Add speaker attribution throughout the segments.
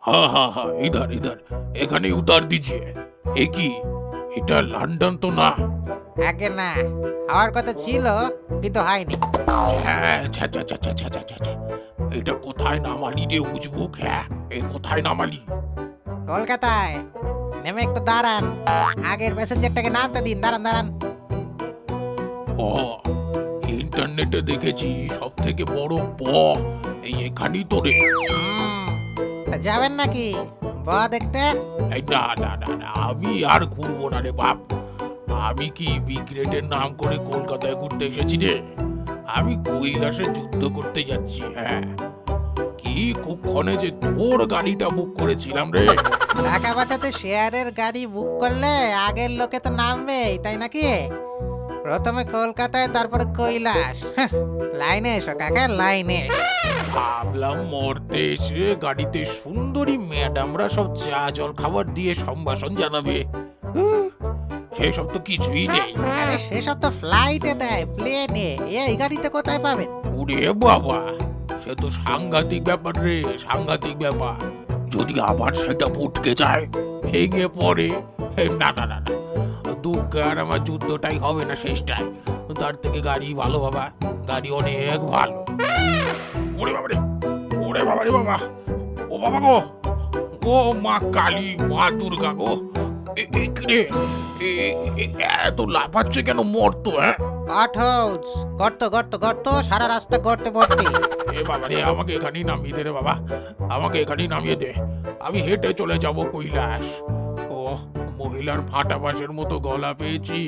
Speaker 1: हाँ हाँ हाँ, इधर इधर, एखाने उतार दीजिए। एक ही, এটা লন্ডন তো না?
Speaker 2: আগে না, হওয়ার কথা ছিল কিন্তু হয়নি।
Speaker 1: ছ্যা, ছ্যা, ছ্যা, ছ্যা, ছ্যা, ছ্যা, ছ্যা, ছ্যা। এটা কোথায় নামালি রে উজবুক? হ্যাঁ, এই কোথায় নামালি?
Speaker 2: কলকাতায় নেমে একটু দাঁড়ান, আগের প্যাসেঞ্জারটাকে নামতে দিন। দাঁড়ান দাঁড়ান।
Speaker 1: ও, ইন্টারনেটে দেখেছি সব থেকে বড় এই এখানেই তো রে।
Speaker 2: তা যাবেন নাকি ব দেখতে?
Speaker 1: এই না না না না, আমি আর ঘুরবো না রে বাপ। আমি কি বিগ্রেডের নাম করে কলকাতায় ঘুরতে এসেছি রে? আমি কৈলাসে যুদ্ধ করতে যাচ্ছি। হ্যাঁ, কি কুক্ষণে যে তোর গাড়িটা বুক করেছিলাম রে।
Speaker 2: টাকা বাঁচাতে শেয়ারের গাড়ি বুক করলে আগের লোকে তো নামবেই, তাই নাকি? প্রথমে কলকাতায়, তারপরে কৈলাস। লাইনে এসো কাকা, লাইনে এসো।
Speaker 1: ভাবলাম মরতে এসে গাড়িতে সুন্দরী ম্যাডামরা সব চা জল খাবার দিয়ে সম্ভাষণ জানাবে। সেসব তো কিছুই নেই।
Speaker 2: আরে সেসব তো ফ্লাইটে দেয়, প্লেনে। এই গাড়িতে কোথায় পাবেন?
Speaker 1: ওরে বাবা, সে তো সাংঘাতিক ব্যাপার রে, সাংঘাতিক ব্যাপার। যদি আবার সেটা ফুটকে যায়, ভেঙে পড়ে, না না না না, দুঃখ আর আমার যুদ্ধটাই হবে না শেষটায়। তার থেকে গাড়ি ভালো বাবা, গাড়ি অনেক ভালো। ওরে বাবা রে, ওরে বাবা রে বাবা, ও বাবা গো, ও মা কালী, মা দুর্গা গো, রে এত লাফাচ্ছে কেন মরতো? হ্যাঁ,
Speaker 2: পটহোলস, গর্ত গর্ত গর্ত, সারা রাস্তা গর্তে ভর্তি।
Speaker 1: এ বাবা রে, আমাকে এখানেই নামিয়ে দে রে বাবা, আমাকে এখানেই নামিয়ে দে। আমি হেঁটে চলে যাব কৈলাস। ও, মহিলার ফাটা বাঁশের মতো গলা পেয়েছি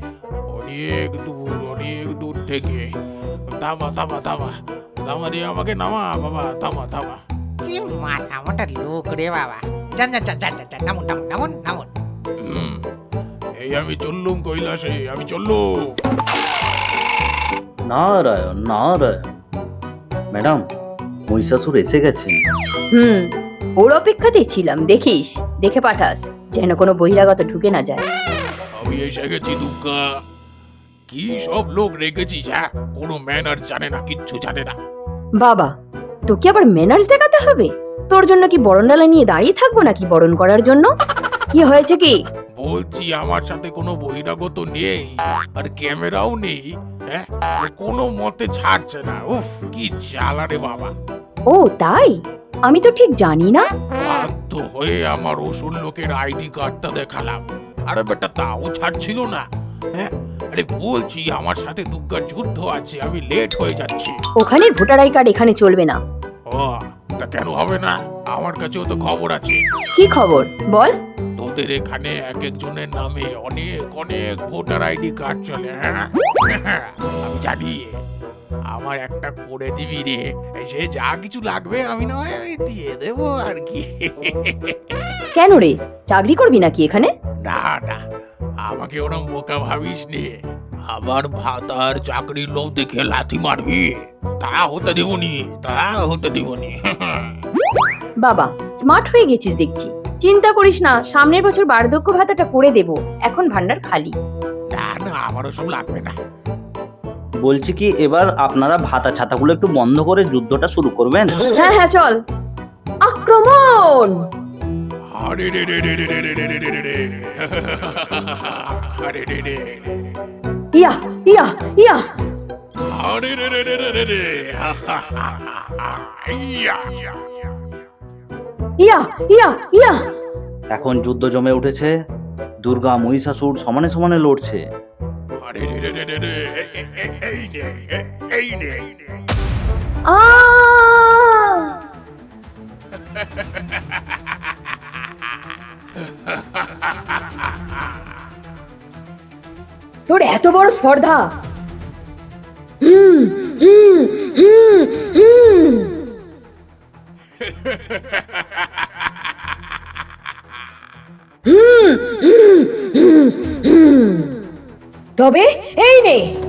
Speaker 1: অনেক দূর থেকে। থামা থামা থামা থামা রে, আমাকে নামা বাবা, থামা থামা।
Speaker 2: কি মাথা মোটা লোক রে বাবা। যান যান যান যান যান, নামুন নামুন নামুন নামুন।
Speaker 1: হুম, এই আমি চললুম কৈলাসে, আমি চললুম।
Speaker 3: নারায়ণ নারায়ণ। ম্যাডাম, মহিষাসুর এসে গেছেন।
Speaker 4: ওর অপেক্ষাতেই ছিলাম। দেখিস, দেখে পাঠাস যেন কোনো বহিরাগত ঢুকে না যায়।
Speaker 1: আমি এসে গেছি দুর্গা। কি সব লোক রেখেছিস? হ্যাঁ, কোনো ম্যানার জানে না, কিচ্ছু জানে না।
Speaker 4: বাবা, তোকে আবার ম্যানার্স দেখাতে হবে? তোর জন্য কি বরণডালা নিয়ে দাঁড়িয়ে থাকবো নাকি বরণ করার জন্য? কি হয়েছে কি?
Speaker 1: বলছি আমার সাথে কোনো বহিরাগত নেই, আর ক্যামেরাও নেই। হ্যাঁ, কোনো মতে ছাড়ছে না। উফ, কি জ্বালা রে বাবা।
Speaker 4: ও তাই? আমি তো ঠিক জানি না।
Speaker 1: বাধ্য হয়ে আমার ওসুর লোকের আইডি কার্ডটা দেখালাম, আরে বেটা তাও ছাড়ছিল না। হ্যাঁ, আরে বলছি আমার সাথে দুর্গার যুদ্ধ আছে, আমি লেট হয়ে যাচ্ছি।
Speaker 4: ওখানের ভোটার আই কার্ড এখানে চলবে না।
Speaker 1: ও, তা কেন হবে না? আমার কাছেও তো খবর আছে।
Speaker 4: কি খবর বল?
Speaker 1: তোদের এখানে এক একজনের নামে অনেক অনেক ভোটার আইডি কার্ড চলে। হ্যাঁ, আমি জানি। আমার একটা করে দিবি রে, সে যা কিছু লাগবে আমি না হয় দিয়ে দেবো আর কি।
Speaker 4: কেন রে, চাকরি করবি নাকি এখানে?
Speaker 1: না না, আমাকে ওরম বোকা ভাবিস নে। আবার ভাতার চাকরির লোভ দেখে লাথি মারবি, তা হতে দেবনি, তা হতে দেবনি।
Speaker 4: বাবা, স্মার্ট হয়ে গেছিস দেখছি। চিন্তা করিস না, সামনের বছর বার্ধক্য ভাতাটা করে দেব। এখন ভান্ডার খালি।
Speaker 1: না না, আমারও সব লাগবে না।
Speaker 3: বলছি কি, এবার আপনারা ভাতা ছাতাগুলো একটু বন্ধ করে যুদ্ধটা শুরু করবেন?
Speaker 4: হ্যাঁ হ্যাঁ, চল আক্রমণ।
Speaker 1: আরে রে রে রে রে রে রে রে রে রে রে। আরে রে রে।
Speaker 4: ইয়া ইয়া ইয়া।
Speaker 1: আরে রে রে রে রে রে রে। ইয়া।
Speaker 4: ইয়া ইয়া ইয়া।
Speaker 3: এখন যুদ্ধ জমে উঠেছে, দুর্গা মহিষাসুর সমানে সমানে লড়ছে।
Speaker 1: আরে রে রে রে রে রে। এই নে, এই নে।
Speaker 4: আ! তোর এত বড় স্পর্ধা! হুম হুম হুম হুম। হুম হুম হুম হুম। তবে এই নে।